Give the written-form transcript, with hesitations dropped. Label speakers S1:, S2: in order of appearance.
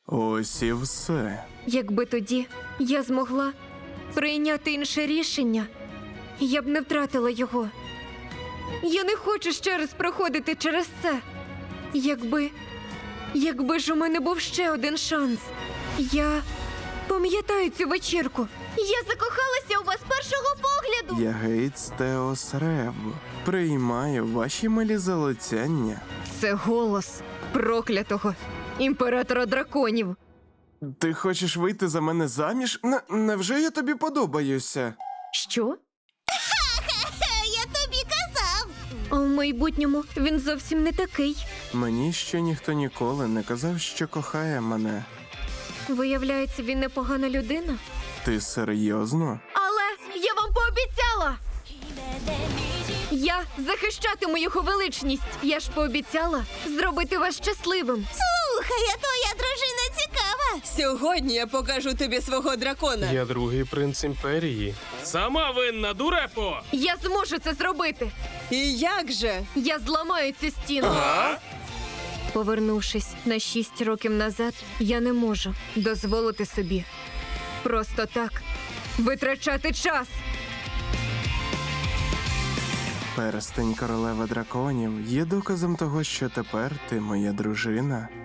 S1: Ось і все.
S2: Якби тоді я змогла прийняти інше рішення, я б не втратила його. Я не хочу ще раз проходити через це. Якби ж у мене був ще один шанс. Я пам'ятаю цю вечірку. Я закохалася у вас з першого погляду.
S1: Я Гейтс Теос Рев. Приймаю ваші милі залицяння.
S2: Це голос проклятого імператора драконів.
S1: Ти хочеш вийти за мене заміж? Невже я тобі подобаюся?
S2: Що?
S3: Я тобі казав.
S2: А в майбутньому він зовсім не такий.
S1: Мені ще ніхто ніколи не казав, що кохає мене.
S2: Виявляється, він непогана людина.
S1: Ти серйозно?
S2: Але я вам пообіцяла! Я захищатиму його величність. Я ж пообіцяла зробити вас щасливим.
S3: Слухай, а твоя дружина цікава.
S4: Сьогодні я покажу тобі свого дракона.
S5: Я другий принц імперії.
S6: Сама винна, дурепо!
S2: Я зможу це зробити.
S4: І як же?
S2: Я зламаю цю стіну. Повернувшись на 6 років назад, я не можу дозволити собі просто так витрачати час.
S1: Перстень королеви драконів є доказом того, що тепер ти моя дружина.